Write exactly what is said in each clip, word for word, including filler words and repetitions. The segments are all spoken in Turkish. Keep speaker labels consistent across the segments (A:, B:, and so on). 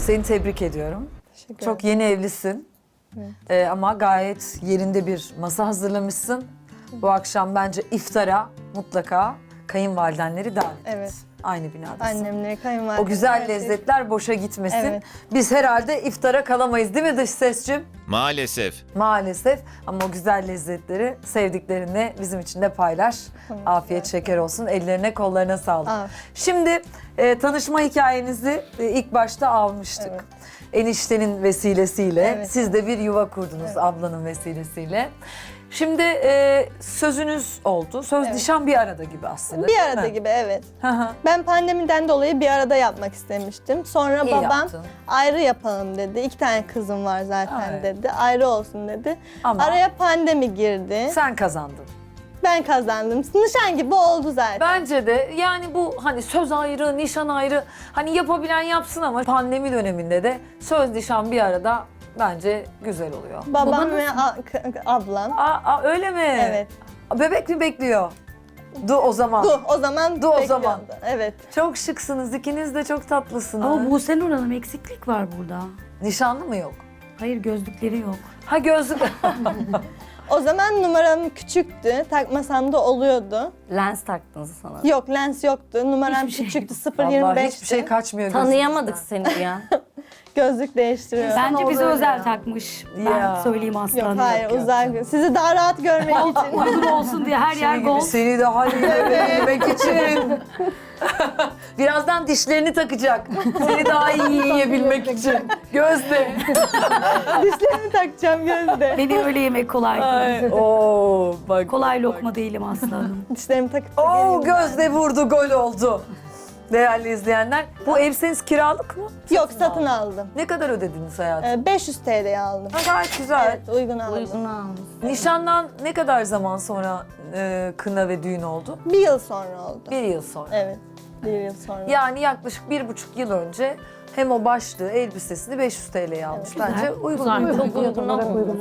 A: Seni tebrik ediyorum.
B: Teşekkür
A: Çok yeni evlisin.
B: Evet.
A: Ee, ama gayet yerinde bir masa hazırlamışsın. Bu akşam bence iftara mutlaka kayınvalidenleri davet et.
B: Evet.
A: Aynı binadasın.
B: Annemleri, kayınvalidem.
A: O güzel
B: evet.
A: lezzetler boşa gitmesin.
B: Evet.
A: Biz herhalde iftara kalamayız değil mi dış sesçim?
C: Maalesef.
A: Maalesef ama o güzel lezzetleri sevdiklerinle bizim için de paylaş.
B: Tamam,
A: Afiyet
B: evet.
A: şeker olsun. Ellerine kollarına sağlık.
B: Aa,
A: Şimdi e, tanışma hikayenizi e, ilk başta almıştık.
B: Evet.
A: Eniştenin vesilesiyle.
B: Evet.
A: Siz de bir yuva kurdunuz
B: Evet.
A: ablanın vesilesiyle. Şimdi e, sözünüz oldu. Söz
B: Evet.
A: nişan bir arada gibi aslında.
B: bir
A: değil
B: arada
A: mi?
B: gibi evet.
A: Hı hı.
B: Ben pandemiden dolayı bir arada yapmak istemiştim. Sonra
A: İyi
B: babam
A: yaptın.
B: ayrı yapalım dedi. İki tane kızım var zaten
A: Evet.
B: dedi. Ayrı olsun dedi.
A: Ama
B: Araya pandemi girdi.
A: sen kazandın.
B: Ben kazandım. Nişan gibi oldu zaten.
A: Bence de yani bu hani söz ayrı, nişan ayrı. Hani yapabilen yapsın ama pandemi döneminde de söz nişan bir arada bence güzel oluyor.
B: Babam ve a- k- ablam.
A: Aa, aa, öyle mi?
B: Evet.
A: Bebek mi bekliyor? Du o zaman.
B: Du o zaman
A: Du o
B: bekliyordu.
A: zaman.
B: Evet.
A: Çok şıksınız. İkiniz de çok tatlısınız.
D: Ama Buse Nur Hanım eksiklik var burada.
A: Nişanlı mı yok?
D: Hayır gözlükleri yok.
A: Ha gözlük.
B: O zaman numaram küçüktü. Takmasam da oluyordu.
E: Lens taktınız sana.
B: Yok lens yoktu. Numaram
D: Hiçbir şey
B: küçüktü.
D: yok.
B: sıfır
A: Vallahi
B: yirmi beşti.
A: hiçbir şey kaçmıyor
E: Tanıyamadık
A: gözünüzden.
E: seni ya.
B: Gözlük değiştiriyorum.
D: Bence bize
A: öyle
D: özel
A: ya.
D: takmış.
A: Ya.
D: Ben söyleyeyim aslanım.
B: Yok hayır
A: yok, yok.
B: uzak. Sizi daha rahat görmek için.
D: Uygun olsun diye her yer
A: Seni gibi
D: gold.
A: seni daha iyi yemek için. Birazdan dişlerini takacak. Seni daha iyi yiyebilmek için. Gözde.
B: Dişlerimi takacağım gözde.
D: Beni öyle yemek kolay değil.
A: Oo bak.
D: Kolay lokma değilim aslanım.
B: Dişlerimi takıp da
A: Oo
B: geleyim ben.
A: Gözde vurdu, gol oldu. Değerli izleyenler, bu ev senin kiralık mı?
B: Yok satın aldım.
A: Ne kadar ödediniz hayatım?
B: Ee, beş yüz T L'ye aldım.
A: Ha, gayet güzel.
B: Evet uygun aldım.
E: Uygun almış.
A: Nişandan ne kadar zaman sonra e, kına ve düğün oldu?
B: Bir yıl sonra oldu.
A: Bir yıl sonra.
B: Evet. Bir yıl sonra.
A: Yani yaklaşık bir buçuk yıl önce hem o başlığı, elbisesini beş yüz T L'ye almış.
B: Evet.
A: Bence uygun.
D: Güzel.
A: uygun.
E: Çok uygun olmuş.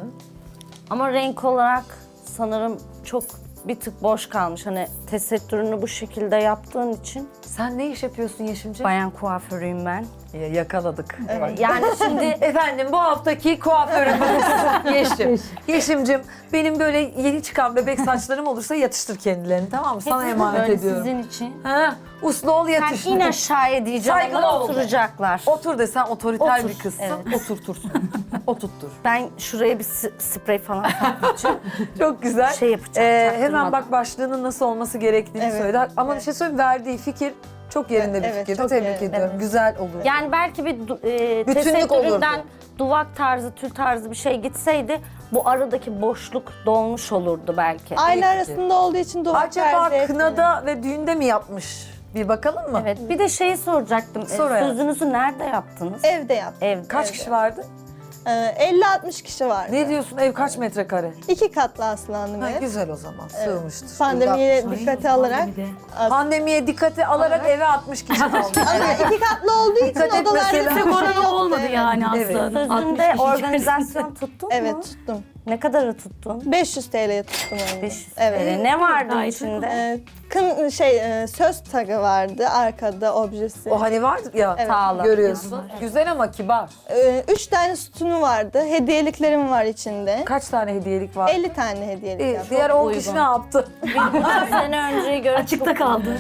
E: Ama renk olarak sanırım çok bir tık boş kalmış. Hani tesettürünü bu şekilde yaptığın için.
A: Sen ne iş yapıyorsun Yeşimciğim?
E: Bayan kuaförüyüm ben.
A: Ya, yakaladık. Bak.
E: Yani şimdi
A: Efendim bu haftaki kuaförümüz Yeşim. Yeşim'cim benim böyle yeni çıkan bebek saçlarım olursa yatıştır kendilerini, tamam mı? Sana emanet
E: böyle
A: ediyorum.
E: sizin için.
A: Ha, uslu ol
E: Sen
A: yatış.
E: in aşağıya diyeceğim
A: Saygılı
E: ama
A: ol.
E: oturacaklar.
A: Otur de sen otoriter
E: Otur,
A: bir kızsın.
E: evet.
A: Oturtursun. Oturttur.
E: Ben şuraya bir s- sprey falan takacağım.
A: Çok güzel.
E: Şey yapacağım,
A: Ee,
E: çaktırmadan.
A: hemen bak başlığının nasıl olması gerektiğini
B: Evet,
A: söyledi. Ama bir
B: evet.
A: şey söyleyeyim, verdiği fikir çok yerinde bir
B: Evet,
A: fikir.
B: çok
A: Tebrik
B: yerinde.
A: ediyorum.
B: Evet.
A: Güzel olur.
E: Yani belki bir du- e,
A: Bütünlük olurdu.
E: tesettüründen duvak tarzı, tül tarzı bir şey gitseydi bu aradaki boşluk dolmuş olurdu belki.
B: Aile
A: fikir.
B: arasında olduğu için duvar
A: Acaba
B: tercih etmiyorum.
A: kınada ve düğünde mi yapmış? Bir bakalım mı?
E: Evet. Bir de şeyi soracaktım. E,
A: Sor hayatım.
E: Sözünüzü nerede yaptınız?
B: Evde yaptım.
E: Evde.
A: Kaç
B: Evet.
A: kişi vardı?
B: Ee, elli altmış kişi vardı.
A: Ne diyorsun? Ev kaç metrekare?
B: İki katlı aslanım
A: Ha,
B: ev.
A: güzel o zaman. Sığmıştır.
B: Pandemiye
D: Ay,
B: dikkate alarak.
D: pandemide.
B: as-
A: Pandemiye dikkate alarak eve altmış kişi kaldı.
B: Ama iki katlı olduğu için
A: Dikkat et
B: odalarda
A: mesela.
B: bir şey
D: Korona
B: yoktu,
D: olmadı
B: evet.
D: yani
A: Evet.
D: aslanım. altmış
E: Sözünde
D: kişi
E: organizasyon tuttun
B: Evet
E: mu?
B: tuttum.
E: Ne kadarı tuttun?
B: beş yüz T L'ye tuttum onu.
E: beş yüz
B: Evet.
E: T L. Ne vardı
D: Gayet
E: içinde?
B: Ee, kın şey e, söz tagı vardı arkada objesi.
A: O hani vardı ya
B: Evet.
E: Sağlam.
A: görüyorsun. Güzel ama kibar.
B: Ee, üç tane sütunu vardı. Hediyeliklerim var içinde.
A: Kaç tane hediyelik var?
B: elli tane hediyelik
A: Ee,
B: yaptım.
A: diğer on
E: uygun.
A: kişi ne yaptı?
E: Bir sene önceye göre
D: Açıkta
E: çok-
D: kaldı.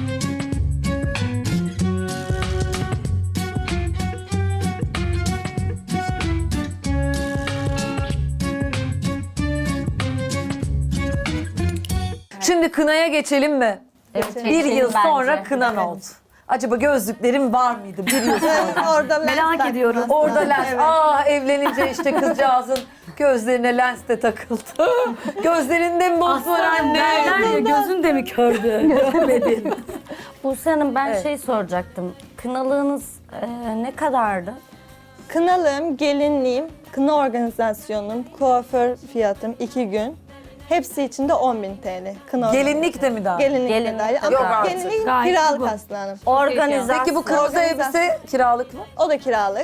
A: Şimdi kınaya geçelim mi?
E: Evet,
A: Bir
E: geçelim
A: yıl
E: bence.
A: sonra kınan oldu. Acaba gözlüklerim var mıydı bir yıl sonra?
B: Orada lens
D: Merak
B: taktım
D: ediyorum.
B: aslında.
A: Orada lens.
B: Evet.
A: Aa evlenince işte kızcağızın gözlerine lens de takıldı. Gözlerinde mi boz var
D: Aslanım
A: anne?
D: derler ya gözün de mi kördü? Göremedin.
E: Buse Hanım ben
A: Evet.
E: şey soracaktım. Kınalığınız e, ne kadardı?
B: Kınalığım, gelinliğim, kına organizasyonum, kuaför fiyatım iki gün. Hepsi içinde on bin T L. Kına
A: Gelinlik de mi daha?
B: Gelinlik,
E: Gelinlik.
B: de dahil.
A: Yok
B: Ama
A: artık.
B: gelinlik
D: Gayet
B: kiralık
D: bu.
B: aslanım.
E: Organizasyon.
A: Peki bu kırmızı
B: Organizasyon.
A: elbise kiralık mı?
B: O da kiralık.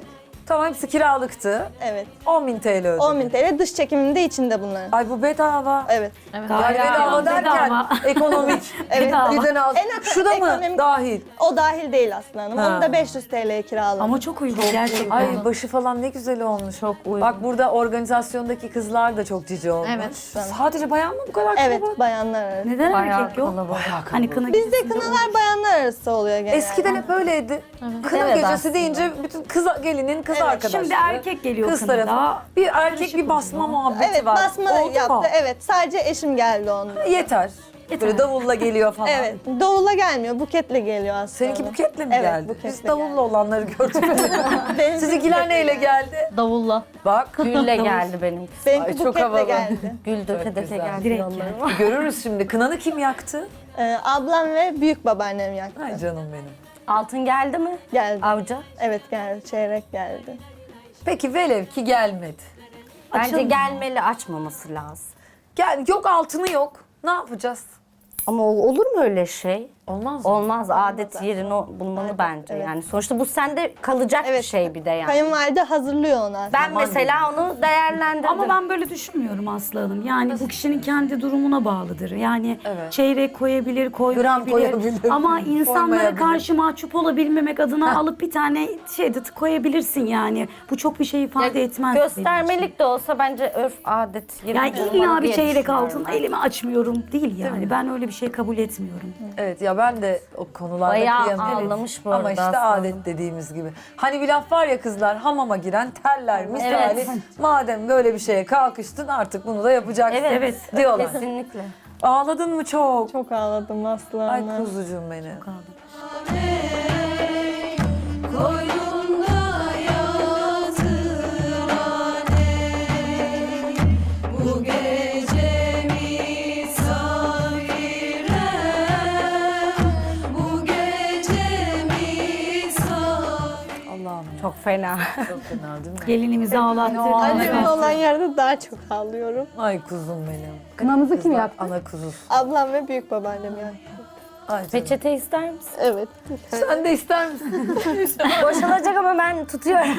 A: Tamam, hepsi kiralıktı.
B: Evet.
A: on bin T L ödedim.
B: on bin T L dış çekiminde içinde bunların.
A: Ay bu bedava.
B: Evet.
A: Yani
D: Gayet
A: bedava derken
D: bedava.
A: ekonomik.
B: Evet.
D: Bedava.
A: Birden al.
B: En
A: Şu da mı
B: ekonomik-
A: dahil?
B: O dahil değil Aslı Hanım.
A: Ha.
B: Onu da beş yüz T L'ye kiraladım.
D: Ama çok uygun gerçekten.
A: Ay başı falan ne güzel olmuş.
E: Çok uygun.
A: Bak burada organizasyondaki kızlar da çok cici olmuş.
C: Evet.
A: Sadece bayan mı bu kadar
B: Evet,
A: kalabalık?
B: bayanlar arası.
D: Neden
E: Bayağı
D: erkek yok?
E: kalabalık.
D: Hani kına
B: Bizde
D: gecesinde
B: kınalar bayanlar arası oluyor genelde.
A: Eskiden hep öyleydi. Kına
E: Evet,
A: gecesi
E: aslında.
A: deyince bütün kız gelinin kız
B: Evet,
A: arkadaşları.
D: Şimdi erkek geliyor
A: kız
D: kınada.
A: tarafı. Bir erkek bir basma muhabbeti
B: Evet,
A: var.
B: basma
A: Oldu
B: yaptı.
A: mu?
B: Evet, sadece eşim geldi onunla.
A: Yeter. Böyle davulla geliyor falan.
B: Evet, davulla gelmiyor, buketle geliyor aslında.
A: Seninki buketle mi
B: Evet,
A: geldi?
B: buketle
A: Biz davulla
B: geldi.
A: olanları gördük.
B: Benimki
A: Sizinkiler
B: buketle
A: neyle
B: geldi.
A: geldi?
C: Davulla.
A: Bak.
E: Gülle geldi benimki.
B: Benimki
A: Ay, çok
B: buketle
A: havalı.
B: geldi.
E: Gül döke döke
A: güzel.
E: geldi
D: Direkt
E: yollarıma.
A: Görürüz şimdi. Kınanı kim yaktı?
B: Ee, ablam ve büyük babaannem yaktı.
A: Ay canım benim.
E: Altın geldi mi?
B: Geldi.
E: Avcı.
B: Evet geldi, çeyrek geldi.
A: Peki velev ki gelmedi.
E: Bence
D: Açalım.
E: gelmeli, açmaması lazım.
A: Gel, yok altını yok. Ne yapacağız?
E: Ama ol- olur mu öyle şey?
A: Olmaz mı?
E: Olmaz, adet yerini o- bulmalı bence
B: evet.
E: yani. Sonuçta bu sende kalacak
B: Evet.
E: bir şey bir de yani.
B: Kayınvalide hazırlıyor onu aslında.
E: Ben mesela onu değerlendirdim.
D: Ama ben böyle düşünmüyorum Aslı Hanım. Yani bu kişinin kendi durumuna bağlıdır. Yani
A: Evet.
D: çeyrek koyabilir, koymayabilir.
A: koyabilir.
D: Ama insanlara
A: Koymayabilir.
D: karşı mahcup olabilmemek adına alıp bir tane şey de koyabilirsin yani. Bu çok bir şey ifade etmez. benim için.
E: Göstermelik de olsa bence örf, adet yerini
D: Yani
E: bulmalı
D: illa bir
E: diye
D: çeyrek
E: düşünüyorum
D: altın
E: ben.
D: elimi açmıyorum değil yani. Ben öyle bir şey kabul etmiyorum.
A: Evet ya ben de o konularda
E: Bayağı
A: kıyamıyorum.
E: ağlamış bu
A: Ama
E: arada
A: işte
E: aslında.
A: adet dediğimiz gibi. Hani bir laf var ya kızlar, hamama giren terler misali.
E: Evet.
A: Madem böyle bir şeye kalkıştın artık bunu da yapacaksın.
E: Evet,
D: Evet.
A: Diyorlar.
E: Kesinlikle.
A: Ağladın mı çok?
B: Çok ağladım Aslı
A: Ay
B: Hanım.
A: kuzucuğum benim. Allah'ım
E: Çok fena.
A: çok fena değil mi?
D: Gelinimizi ağlattı.
B: Annemin olan yerde daha çok ağlıyorum.
A: Ay kuzum benim.
C: Kınamızı kim
A: Kızlar,
C: yaktı?
A: Ana kuzusu.
B: Ablam ve büyük babaannem yaktı.
A: Ay canım.
E: Peçete ister misin?
B: Evet.
A: Sen de ister misin?
E: Boşalacak ama ben tutuyorum.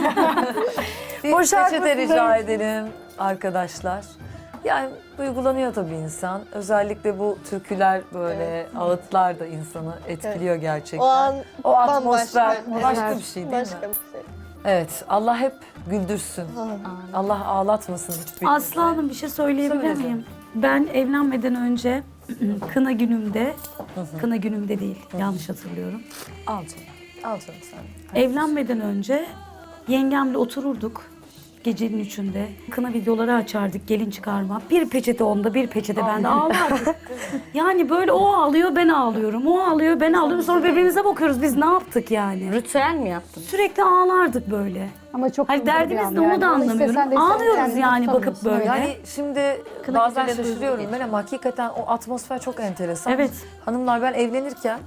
A: Bir
E: Boşalt
A: peçete
E: mısın?
A: rica edelim arkadaşlar. Yani duygulanıyor tabii insan. Özellikle bu türküler böyle ağıtlar da insanı etkiliyor gerçekten.
B: O an
A: O atmosfer
B: bambaşka.
A: başka
B: Evet.
A: bir şey değil
B: Başka
A: mi?
B: bir şey.
A: Evet. Allah hep güldürsün. Allah ağlatmasın hiçbir
D: Aslı Hanım bir şey söyleyebilir
A: Söyle
D: miyim? Ben evlenmeden önce kına günümde, kına günümde değil yanlış hatırlıyorum.
A: Al canım. Al canım sen.
D: Evlenmeden önce yengemle otururduk gecenin üçünde. Kına videoları açardık gelin çıkarma. Bir peçete onda bir peçete bende ağlardık. Yani böyle o ağlıyor ben ağlıyorum. O ağlıyor ben ağlıyorum. Sonra birbirimize bakıyoruz biz ne yaptık yani.
E: Ritüel mi yaptın?
D: Sürekli ağlardık böyle.
C: Ama çok
D: Hani
C: güzel bir
D: derdimiz
C: an
D: ne onu
C: yani.
D: da
C: Onu istesen de
D: anlamıyorum.
C: istesen
D: Ağlıyoruz
C: kendini
D: yani bakıp
C: tutamıyorsun.
D: böyle.
A: Yani şimdi
D: Kına
A: bazen
D: geceleri
A: şaşırıyorum
D: duygu
A: ben ama hakikaten o atmosfer çok enteresan.
D: Evet.
A: Hanımlar ben evlenirken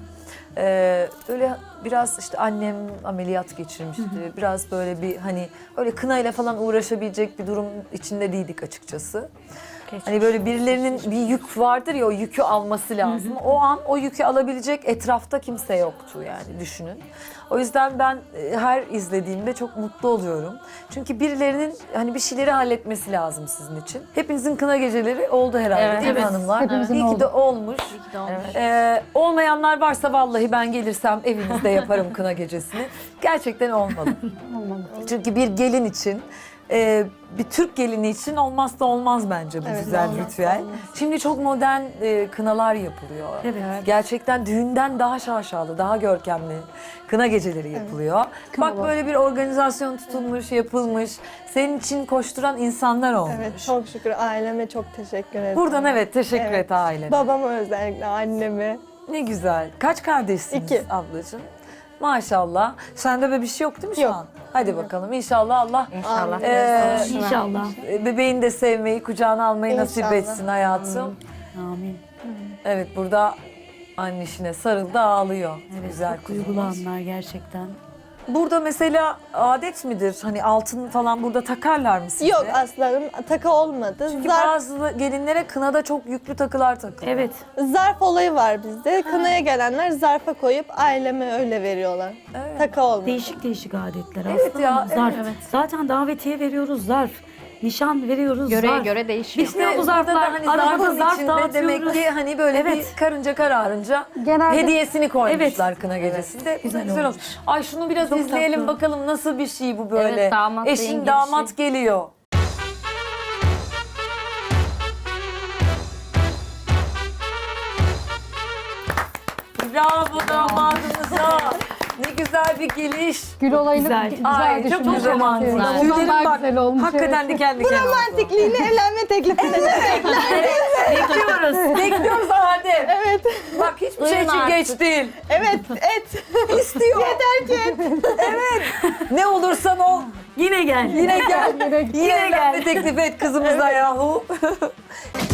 A: e, öyle biraz işte annem ameliyat geçirmişti. Biraz böyle bir hani öyle kınayla falan uğraşabilecek bir durum içinde değildik açıkçası. Hani böyle birilerinin bir yük vardır ya o yükü alması lazım. O an o yükü alabilecek etrafta kimse yoktu yani düşünün. O yüzden ben e, her izlediğimde çok mutlu oluyorum. Çünkü birilerinin hani bir şeyleri halletmesi lazım sizin için. Hepinizin kına geceleri oldu herhalde
E: Evet.
A: değil mi
D: Evet.
A: hanımlar?
C: Hepimizin
A: İyi ki
C: oldu.
A: de olmuş.
E: Evet.
A: Ee, olmayanlar varsa vallahi ben gelirsem evinizde yaparım kına gecesini. Gerçekten olmalı.
C: Olmalı.
A: Çünkü bir gelin için, e, bir Türk gelini için olmazsa olmaz bence bu
B: Evet,
A: güzel
B: olmazsa
A: ritüel.
B: olmaz.
A: Şimdi çok modern e, kınalar yapılıyor.
D: Evet.
A: Gerçekten düğünden daha şaşalı, daha görkemli kına geceleri yapılıyor.
C: Kınalar.
A: Bak böyle bir organizasyon tutulmuş, yapılmış. Senin için koşturan insanlar olmuş.
B: Evet, çok şükür aileme çok teşekkür ederim.
A: Buradan evet teşekkür
B: Evet.
A: et ailene.
B: Babama özellikle, anneme.
A: Ne güzel. Kaç kardeşsiniz
B: İki.
A: ablacığım? Maşallah. Sende böyle bir şey yok değil mi şu
B: Yok.
A: an? Hadi bakalım inşallah Allah
E: İnşallah.
A: Ee,
D: İnşallah.
A: e, bebeğini de sevmeyi, kucağına almayı nasip
B: İnşallah.
A: etsin hayatım.
D: Amin.
A: Evet burada annişine sarıldı ağlıyor.
D: Evet,
A: Güzel
D: çok duygulu
A: kuzumuz.
D: anlar gerçekten.
A: burada mesela adet midir? Hani altın falan burada takarlar mı size?
B: Yok aslanım, takı olmadı.
A: Çünkü
B: Zarf,
A: bazı gelinlere kınada çok yüklü takılar takılıyor.
D: Evet.
B: zarf olayı var bizde. Kınaya gelenler zarfa koyup aileme öyle veriyorlar.
A: Evet.
B: Takı olmadı.
D: Değişik değişik adetler
A: Evet
D: aslında.
A: ya,
D: ama zarf.
A: evet.
D: Zaten davetiye veriyoruz zarf. Nişan veriyoruz
C: Göreye
D: zarf.
C: göre değişiyor.
D: İşte bu
A: burada
D: zarflar,
A: da hani
D: arabada
A: zarfın
D: zarf
A: içinde
D: dağıtıyoruz.
A: demek ki hani böyle
D: Evet.
A: bir karınca kararınca
C: Genelde-
A: hediyesini koymuşlar
D: Evet.
A: kına gecesinde.
D: Güzel
A: Güzel,
D: olmuş.
A: olmuş. Ay şunu biraz
D: Çok
A: izleyelim
D: tatlı.
A: bakalım nasıl bir şey bu böyle.
E: Evet, damat beyin
A: Eşin
E: girişi.
A: damat geliyor. Bravo damadımıza. Ne güzel bir geliş.
C: Gül olayını
D: Güzel.
C: güzel,
A: Ay çok
C: düşünmüş.
A: güzel manzara.
C: Ondan
A: Tüylerim
C: daha
A: bak,
C: güzel olmuş.
A: hakikaten diken diken oldu.
B: Romantikliğini evlenme teklifine de
D: Bekliyoruz.
A: Bekliyoruz Adem.
B: Evet.
A: Bak hiçbir şey
E: Duyun
A: için
E: artık.
A: geç değil.
B: Evet, et.
A: İstiyor.
B: Yeter ki et.
A: Evet. Ne olursan ol.
D: Yine gel.
A: Yine gel.
C: Yine
A: Yine evlenme teklif et kızımıza yahu.